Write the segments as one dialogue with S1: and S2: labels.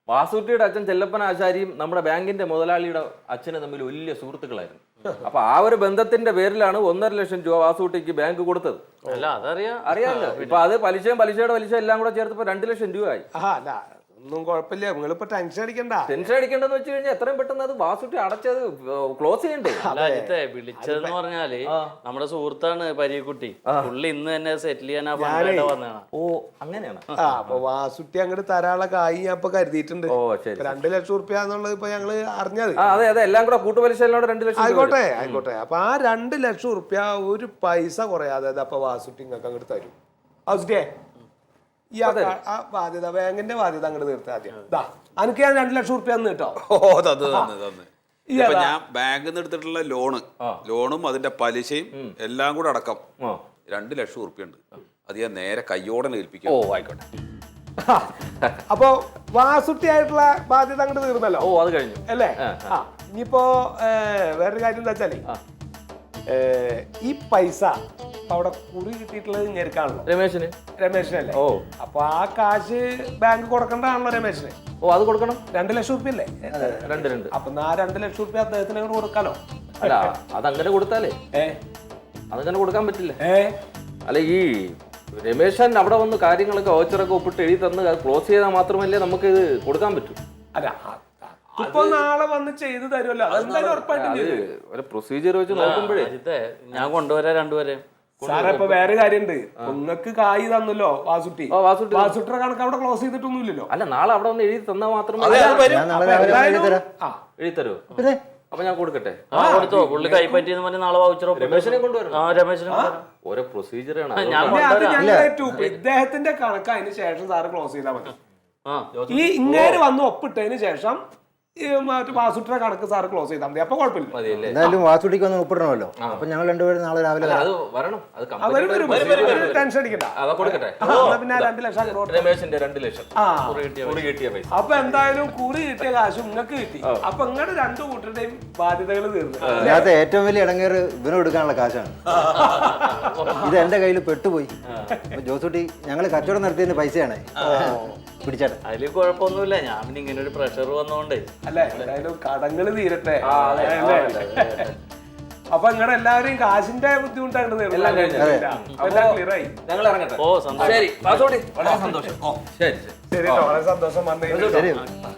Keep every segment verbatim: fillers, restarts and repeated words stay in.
S1: വാസുട്ടിയുടെ അച്ഛൻ ചെല്ലപ്പൻ ആശാരിയും നമ്മുടെ ബാങ്കിന്റെ മുതലാളിയുടെ അച്ഛനും തമ്മിൽ വലിയ സുഹൃത്തുക്കളായിരുന്നു. അപ്പൊ ആ ഒരു ബന്ധത്തിന്റെ പേരിലാണ് ഒന്നര ലക്ഷം രൂപ വാസുട്ടിക്ക് ബാങ്ക് കൊടുത്തത്.
S2: അല്ല അതറിയാം,
S1: അറിയാമല്ലോ. ഇപ്പൊ അത് പലിശയും പലിശയുടെ പലിശ എല്ലാം കൂടെ ചേർത്തപ്പോ രണ്ട് ലക്ഷം രൂപയായി.
S3: ഒന്നും കുഴപ്പമില്ല, നിങ്ങളിപ്പോ ടെൻഷൻ അടിക്കണ്ട.
S1: ടെൻഷൻ അടിക്കേണ്ടെന്ന് വെച്ച് കഴിഞ്ഞാൽ എത്രയും പെട്ടെന്ന് അത് വാസുട്ടി അടച്ചത് ക്ലോസ് ചെയ്യണ്ടേ?
S2: അജിത്തെ വിളിച്ചതെന്ന് പറഞ്ഞാല് നമ്മുടെ സുഹൃത്താണ് പരീക്കുട്ടി. പുള്ളി ഇന്ന് തന്നെ സെറ്റിൽ ചെയ്യാൻ വന്നതാണ്.
S1: ഓ അങ്ങനെയാണ്.
S3: ആ അപ്പൊ വാസുട്ടി അങ്ങോട്ട് തരാനുള്ള കായ് ഞാൻ ഇപ്പൊ കരുതിയിട്ടുണ്ട്.
S1: ഓ ശരി.
S3: രണ്ട് ലക്ഷം റുപ്യ എന്നുള്ളത് ഇപ്പൊ ഞങ്ങള് അറിഞ്ഞത്.
S1: അതെ അതെ, എല്ലാം കൂടെ കൂട്ടുപലിശ എല്ലാം കൂടെ രണ്ട് ലക്ഷം.
S3: ആയിക്കോട്ടെ ആയിക്കോട്ടെ. അപ്പൊ ആ രണ്ട് ലക്ഷം റുപ്യ ഒരു പൈസ കുറയാതെ അപ്പൊ വാസുട്ടി നിങ്ങൾക്ക് അങ്ങോട്ട് തരും. വാസുട്ടിയെ ഈ ആ ബാധ്യത, ബാങ്കിന്റെ ബാധ്യത അങ്ങോട്ട് തീർത്ത ആദ്യം. അനക്ക് ഞാൻ രണ്ട് ലക്ഷം റുപ്യ തന്നു കേട്ടോ.
S4: ഓ തന്നു തന്നു തന്നു. ഇപ്പൊ ഞാൻ ബാങ്കിൽ നിന്ന് എടുത്തിട്ടുള്ള ലോണ് ലോണും അതിന്റെ പലിശയും എല്ലാം കൂടെ അടക്കം രണ്ട് ലക്ഷം റുപ്യ ഉണ്ട്. അത് ഞാൻ നേരെ കയ്യോടെ ഏൽപ്പിക്കാം.
S1: ഓ ആയിക്കോട്ടെ.
S3: അപ്പൊ വാസുട്ടി ആയിട്ടുള്ള ബാധ്യത അങ്ങോട്ട് തീർന്നല്ലോ.
S1: ഓ അത് കഴിഞ്ഞു
S3: അല്ലേ? ആ ഇനിയിപ്പോ വേറൊരു കാര്യം എന്താ വെച്ചാല് ഈ പൈസ അവിടെ കുറി കിട്ടിയിട്ടുള്ളത് ഞെരുക്കാണല്ലോ
S1: രമേശിന്.
S3: രമേശിനല്ലേ?
S1: ഓ
S3: അപ്പൊ ആ കാശ് ബാങ്ക് കൊടുക്കണ്ടാണല്ലോ രമേശിന്.
S1: ഓ അത് കൊടുക്കണം.
S3: രണ്ട് ലക്ഷം റുപ്യ അല്ലേ?
S1: രണ്ട് രണ്ട്.
S3: അപ്പൊ ആ രണ്ട് ലക്ഷം റുപ്യ അദ്ദേഹത്തിന് അങ്ങോട്ട് കൊടുക്കാലോ.
S1: അല്ല അതങ്ങനെ കൊടുത്താലേ
S3: ഏ
S1: അതങ്ങനെ കൊടുക്കാൻ പറ്റില്ല.
S3: ഏ
S1: അല്ല ഈ രമേശൻ അവിടെ വന്ന് കാര്യങ്ങളൊക്കെ ഓച്ചറൊക്കെ ഒപ്പിട്ട് എഴുതി തന്ന് അത് ക്ലോസ് ചെയ്താൽ മാത്രമല്ലേ നമുക്ക് ഇത് കൊടുക്കാൻ പറ്റൂ.
S3: അല്ല ഇപ്പൊ നാളെ വന്ന് ചെയ്ത് തരുമല്ലോ, അതെന്തായാലും ഉറപ്പായിട്ടും
S1: പ്രൊസീജിയർ വെച്ച് നോക്കുമ്പോഴേ
S2: ഞാൻ കൊണ്ടുവരാ രണ്ടുപേരെ.
S3: സാറേ ഇപ്പൊ വേറെ കാര്യണ്ട്, നിങ്ങൾക്ക് കായ് തന്നല്ലോ വാസുട്ടി. വാസുട്ടിയുടെ കണക്ക് അവിടെ ക്ലോസ് ചെയ്തിട്ടൊന്നുമില്ലല്ലോ.
S1: അല്ല നാളെ അവിടെ വന്ന് എഴുതി തന്നാൽ മാത്രമേ എഴുതി തരൂ. അപ്പൊ ഞാൻ കൊടുക്കട്ടെ?
S2: കൊടുത്തോ, പുള്ളി കൈപ്പറ്റിയെന്ന് പറഞ്ഞ് നാളെ വൗച്ചർ
S1: രമേശിനെ കൊണ്ടുവരും.
S2: ആ രമേശിനെ
S1: ഓരോ പ്രൊസീജിയറാണ്.
S3: ഇദ്ദേഹത്തിന്റെ കണക്ക് അതിന് ശേഷം സാറ് ക്ലോസ് ചെയ്താൽ മതി. ഈ ഇങ്ങേര് വന്ന് ഒപ്പിട്ടതിന് ശേഷം വാസുട്ടിയുടെ കണക്ക് സാറ് ക്ലോസ് ചെയ്താൽ മതി. അപ്പൊ കുഴപ്പമില്ല.
S5: എന്തായാലും വാസുട്ടിക്ക് ഒന്ന് ഒപ്പിടണമല്ലോ. അപ്പൊ ഞങ്ങൾ രണ്ടുപേരും നാളെ രാവിലെ
S3: ടെൻഷൻ അടിക്കണ്ട. പിന്നെ രണ്ട് ലക്ഷം
S1: രമേശിന്റെ രണ്ട് ലക്ഷം കിട്ടിയ പൈസ.
S3: അപ്പൊ എന്തായാലും കുറി കിട്ടിയ കാശ് നിങ്ങൾക്ക് കിട്ടി. അപ്പൊ ഇങ്ങനെ രണ്ടു കൂട്ടരുടെയും ബാധ്യതകൾ തീർന്നു.
S5: അതിനകത്ത് ഏറ്റവും വലിയ ഇടങ്ങേറ് ഇവനും എടുക്കാനുള്ള കാശാണ്. ഇത് എന്റെ കയ്യിൽ പെട്ടുപോയി. ജോസൂട്ടി ഞങ്ങള് കച്ചവടം നടത്തിയതിന്റെ പൈസയാണ് പിടിച്ചേട്ടെ.
S2: അതില് കുഴപ്പമൊന്നുമില്ല. ഞാൻ പിന്നെ ഇങ്ങനെ ഒരു പ്രഷർ വന്നോണ്ടേ.
S3: അല്ലെ എന്തായാലും കടങ്ങള് തീരട്ടെ. അപ്പൊ ഇങ്ങനെ എല്ലാവരെയും കാശിന്റെ ബുദ്ധിമുട്ടായിട്ട് ക്ലിയർ ആയി.
S1: ഞങ്ങൾ ഇറങ്ങട്ടെ.
S2: ഓ സന്തോഷം.
S1: ശരി വാസോട്ടി, വളരെ സന്തോഷം. ഓ ശരി
S3: ശരി, വളരെ സന്തോഷം വന്നതിന്.
S5: ശരി.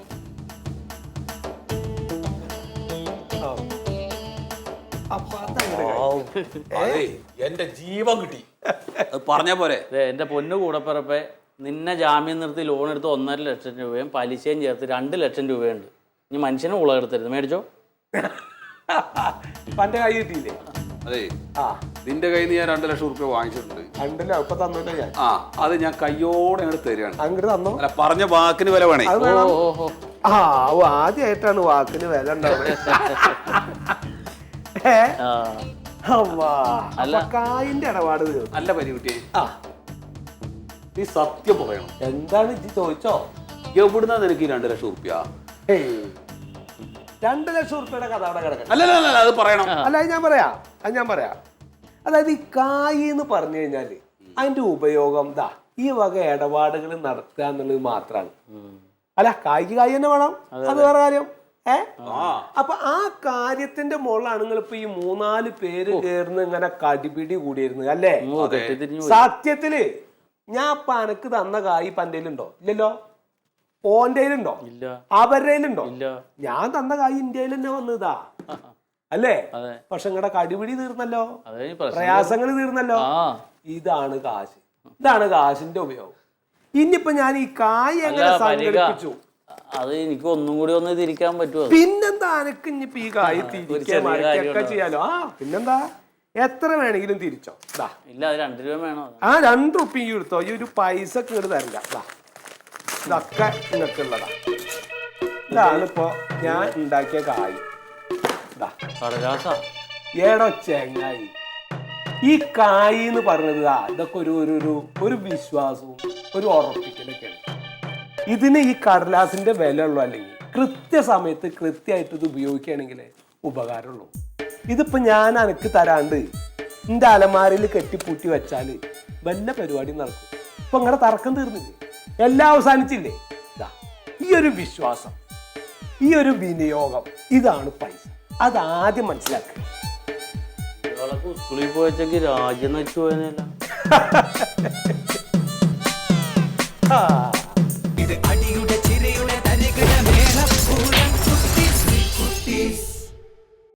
S4: എന്റെ ജീവൻ കിട്ടി. അത് പറഞ്ഞ പോലെ
S2: എന്റെ പൊന്നു കൂടപ്പിറപ്പെ, നിന്നെ ജാമ്യം നിർത്തി ലോൺ എടുത്ത് ഒന്നര ലക്ഷം രൂപയും പലിശയും ചേർത്ത് രണ്ട് ലക്ഷം രൂപയുണ്ട്. ഇനി മനുഷ്യനെ ഉളകെടുത്തരുത്. മേടിച്ചോ.
S3: പന്റെ കൈ കിട്ടിയില്ലേ?
S4: അതെ, നിന്റെ കയ്യിൽ നിന്ന് ഞാൻ രണ്ട് ലക്ഷം റുപ്യ വാങ്ങിച്ചിട്ടുണ്ട്.
S3: രണ്ടല്ലോ ഇപ്പൊ തന്നോട്ടെ ഞാൻ.
S4: ആ അത് ഞാൻ കയ്യോടെ അങ്ങോട്ട് തരികയാണ്.
S3: അങ്ങോട്ട് തന്നോ.
S4: അല്ല പറഞ്ഞ വാക്കിന് വില വേണേ.
S3: ആ ആദ്യമായിട്ടാണ് വാക്കിന് വില ഉണ്ടാവുന്നത്. കായിന്റെ ഇടപാട്
S4: നല്ല പരികുട്ടിയെ. ആ നീ സത്യം പറയണം.
S3: എന്താണ് ഇത് ചോദിച്ചോ?
S4: എവിടുന്നാ നിനക്ക് ഈ രണ്ട് ലക്ഷം റുപ്യ?
S3: രണ്ട് ലക്ഷം റുപ്യയുടെ കഥ അവിടെ കിടക്കണം.
S4: അല്ല അത് പറയണം.
S3: അല്ല അത് ഞാൻ പറയാം അത് ഞാൻ പറയാം അതായത് ഈ കായ് എന്ന് പറഞ്ഞു കഴിഞ്ഞാല് അതിന്റെ ഉപയോഗം ദാ ഈ വക ഇടപാടുകൾ നടത്തുക എന്നുള്ളത് മാത്രമാണ്. അല്ല കായ്ക്ക് കായ് തന്നെ വേണം, അത് വേറെ കാര്യം. ഏ അപ്പൊ ആ കാര്യത്തിന്റെ മുകളിലാണ് നിങ്ങൾ ഇപ്പൊ ഈ മൂന്നാല് പേര് ചേർന്ന് ഇങ്ങനെ കടിപിടി കൂടിയിരുന്നത് അല്ലേ? സത്യത്തില് ഞാൻ ഇപ്പൊ അനക്ക് തന്ന കായ് പന്റേലുണ്ടോ? ഇല്ലല്ലോ. ഓന്റെയിലുണ്ടോ? അവരുടെ ഉണ്ടോ? ഞാൻ തന്ന കായ് ഇന്ത്യയിൽ തന്നെ വന്നതാ അല്ലേ? പക്ഷെ നിങ്ങളുടെ കടിപിടി തീർന്നല്ലോ, പ്രയാസങ്ങൾ തീർന്നല്ലോ. ഇതാണ് കാശ്, ഇതാണ് കാശിന്റെ ഉപയോഗം. ഇനിയിപ്പോ ഞാൻ ഈ കായ് എങ്ങനെ സംഘടിപ്പിച്ചു
S2: അത് എനിക്ക് ഒന്നും കൂടി ഒന്ന് തിരിക്കാൻ പറ്റുമോ?
S3: പിന്നെന്താ അനക്ക് ഇനിയിപ്പോ ഈ കായ് തിരിച്ചൊക്കെ ചെയ്യാലോ. ആ പിന്നെന്താ, എത്ര വേണമെങ്കിലും തിരിച്ചോ.
S2: ഇല്ല രണ്ട് രൂപ വേണോ?
S3: ആ രണ്ട് റുപ്യ എടുത്തോ. ഈ ഒരു പൈസ ഇങ്ങോട്ട് തരണ്ട. ഇതൊക്കെ നിങ്ങൾക്ക് ഉള്ളതാ. ഇതാണ് ഇപ്പൊ ഞാൻ ഉണ്ടാക്കിയ കായ്. ഏടോ ചെങ്ങായി, ഈ കായ് എന്ന് പറഞ്ഞത് ഇതൊക്കെ ഒരു ഒരു ഒരു വിശ്വാസവും ഒരു ഉറപ്പിക്കലൊക്കെയാണ്. ഇതിന് ഈ കടലാസിന്റെ വില ഉള്ളൂ. അല്ലെങ്കിൽ കൃത്യസമയത്ത് കൃത്യമായിട്ട് ഇത് ഉപയോഗിക്കുകയാണെങ്കിൽ ഉപകാരമുള്ളൂ. ഇതിപ്പോ ഞാൻ അനക്ക് തരാണ്ട് എന്റെ അലമാരയിൽ കെട്ടിപ്പൂട്ടി വെച്ചാല് വല്ല പരിപാടി നടക്കും. ഇപ്പൊ നിങ്ങളുടെ തർക്കം തീർന്നില്ലേ? എല്ലാം അവസാനിച്ചില്ലേ? ഒരു വിശ്വാസം, ഈ ഒരു വിനിയോഗം, ഇതാണ് പൈസ. അതാദ്യം മനസ്സിലാക്കുക.
S2: ഒരാളൊക്കെ സ്കൂളിൽ പോയച്ചെങ്കിൽ രാജ്യം നശിച്ചു പോയതല്ല.
S3: ആ